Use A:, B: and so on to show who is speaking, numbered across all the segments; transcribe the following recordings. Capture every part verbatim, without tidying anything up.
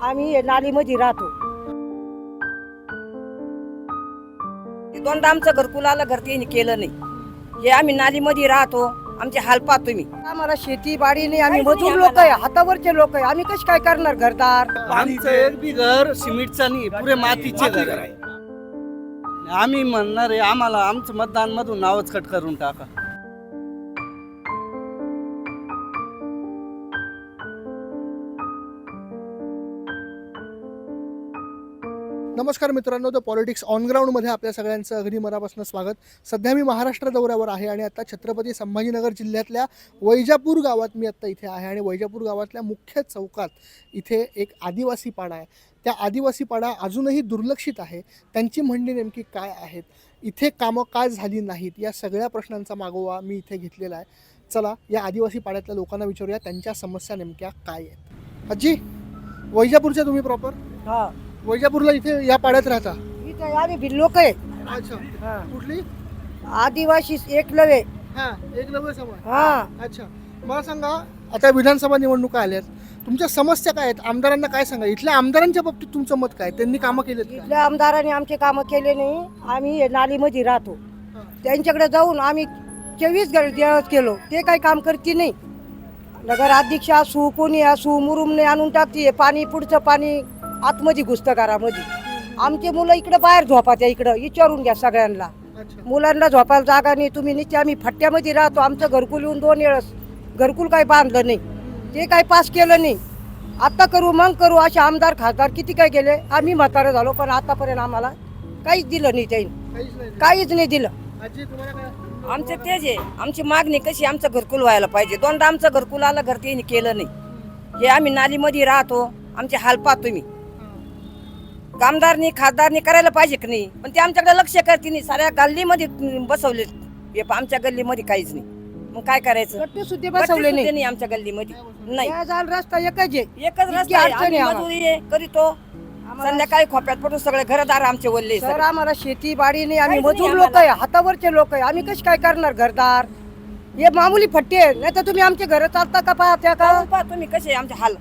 A: आम्ही नालीमध्ये राहतो. दोनदा आमचं घरकुल आलं, घर त्यांनी केलं नाही. हे आम्ही नालीमध्ये राहतो, आमचे हाल पाहतो तुम्ही. आम्हाला शेती बाडी नाही, आम्ही मजूर लोक आहे, हातावरचे लोक आहे. आम्ही कशी काय करणार घरदार?
B: आमचं एक बी घर सिमेंटचं नाही, पुरे मातीचे घर आहे. आम्ही म्हणणार आहे आम्हाला आमचं मतदान मधून नावच कट करून टाका.
C: नमस्कार मित्रांनो, द पॉलिटिक्स ऑन ग्राउंडमध्ये आपल्या सगळ्यांचं अगदी मनापासून स्वागत. सध्या मी महाराष्ट्र दौऱ्यावर आहे आणि आता छत्रपती संभाजीनगर जिल्ह्यातल्या वैजापूर गावात मी आत्ता इथे आहे. आणि वैजापूर गावातल्या मुख्य चौकात इथे एक आदिवासी पाडा आहे. त्या आदिवासी पाडा अजूनही दुर्लक्षित आहे. त्यांची म्हणणी नेमकी काय आहेत, इथे कामं काय झाली नाहीत, या सगळ्या प्रश्नांचा मागोवा मी इथे घेतलेला आहे. चला या आदिवासी पाड्यातल्या लोकांना विचारूया त्यांच्या समस्या नेमक्या काय आहेत. आजी, वैजापूरच्या तुम्ही प्रॉपर?
A: हा,
C: वैजापूरला इथे या पाड्यात राहता?
A: इथे आम्ही भिल्ल लोक आहे.
C: अच्छा,
A: हा.
C: कुठली?
A: आदिवासी एकलवे.
C: हा, एकलव्य समाज.
A: हा,
C: अच्छा, मला सांगा, आता विधानसभा निवडणुका आल्यात, तुमच्या समस्या काय आहेत? आमदारांना काय सांगा? इथल्या आमदारांच्या बाबतीत तुमचं मत काय? त्यांनी कामं केलेत का?
A: इथल्या आमदारांनी आमचे कामं केले नाही. आम्ही हे नालीमध्ये राहतो, त्यांच्याकडे जाऊन आम्ही चोवीस दिवस केलो, ते काही काम करते नाही. नगर अध्यक्ष असू, कोणी असू, मुरुमने आणून टाकते पाणी, पुढचं पाणी आतमध्ये घुसतं घरामध्ये. आमचे मुलं इकडे बाहेर झोपात्या, इकडं विचारून घ्या सगळ्यांना. मुलांना झोपायला जागा नाही. तुम्ही निश्चित आम्ही फट्ट्यामध्ये राहतो. आमचं घरकुल येऊन दोन वेळस घरकुल काही बांधलं नाही, ते काही पास केलं नाही. आता करू मग करू असे आमदार खासदार किती काय केले. आम्ही म्हातारं झालो, पण आतापर्यंत आम्हाला काहीच दिलं नाही त्यांनी, काहीच नाही दिलं. आमचं तेच आहे, आमची मागणी कशी, आमचं घरकुल व्हायला पाहिजे. दोनदा आमचं घरकुल आलं, घर त्यांनी केलं नाही. हे आम्ही नालीमध्ये राहतो, आमचे हाल पाहतो तुम्ही. कामदारनी खासदारनी करायला पाहिजे की नाही, पण ते आमच्याकडे लक्ष करते नाही. साऱ्या गल्लीमध्ये बसवले, हे आमच्या गल्लीमध्ये काहीच नाही. मग काय करायचं? गट्टे सुद्धा बसवले नाही आमच्या गल्लीमध्ये. नाही, रस्ता एकच आहे, एकच रस्ता आहे. मजुरी आहे करीतो, संध्याकाळी खोप्यात पडून सगळे घरदार आमचे वल्ले. सर आम्हाला शेती बाडी नाही, आम्ही मजूर लोक आहे, हातावरचे लोक आहे. आम्ही कशी काय करणार घरदार? हे मामुली फट्टे आहे. नाही तर तुम्ही आमचे घर चालता का? पाहत्या का तुम्ही कसे आमचे हाल?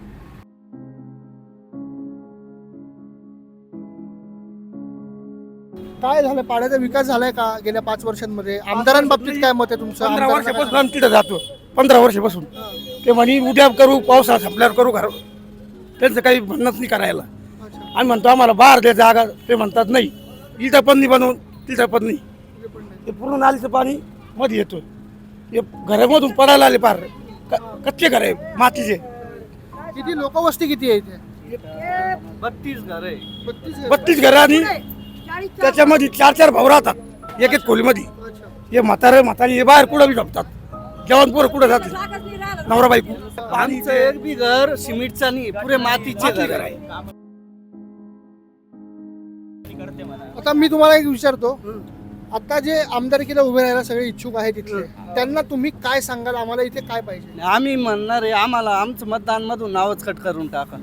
C: काय झालं? पाड्याचा विकास झालाय का गेल्या पाच वर्षांमध्ये? आमदारांबाबतीत काय मत आहे तुमचं?
D: पंधरा
C: आमदारांना
D: वर्षापासून आम्ही तिथं जातो, पंधरा वर्षापासून. ते म्हणे उद्या करू, पावसाळा संपल्यावर करू घर. त्यांचं काही म्हणणंच नाही करायला.
C: काय? अच्छा,
D: आम्ही म्हणतो आम्हाला बाहेर द्या जागा, ते म्हणतात नाही. इथं पण नाही बनवून, तिथं पण नाही.
C: इथे पण नाही.
D: ते पूर्ण नालीचं पाणी मध्ये येतो. हे घरामधून पडायला आले पार. क- कच्चे घर आहे मातीचे.
C: किती लोकवस्ती किती आहे इथे?
B: बत्तीस घर आहे.
C: बत्तीस आहे.
D: बत्तीस घरं आणि त्याच्यामध्ये चार चार भाऊ राहतात एक एक खोलीमध्ये.
C: अच्छा.
D: हे म्हातारे म्हातारी हे बाहेर कुठं बी झोपतात. जेवण पोरं कुठं जातात, नवरा बायको.
B: आमचं एक बी घर सिमेंटचं नाही, पुरे मातीचे घर आहे.
C: आता मी तुम्हाला एक विचारतो, आता जे आमदारकीला उभे राहायला सगळे इच्छुक आहेत इथले, त्यांना तुम्ही काय सांगाल? आम्हाला इथे काय पाहिजे?
B: आम्ही म्हणणार आहे आम्हाला आमचं मतदान मधून नावच कट करून टाका.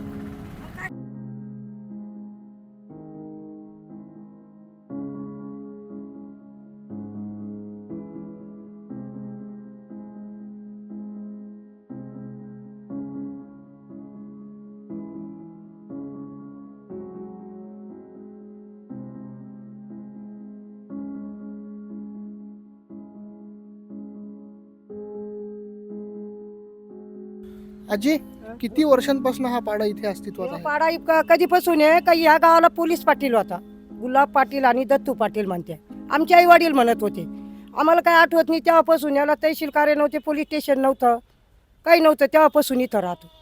C: आजी, किती वर्षांपासून हा पाडा इथे अस्तित्वात आहे?
A: पाडा इतका कधीपासून आहे का? या गावाला पोलीस पाटील होता, गुलाब पाटील आणि दत्तू पाटील म्हणते. आमचे आई वडील म्हणत होते. आम्हाला काय आठवत नाही तेव्हापासून. याला तहसील कार्य नव्हते, पोलीस स्टेशन नव्हतं, काही नव्हतं, तेव्हापासून इथं राहतो.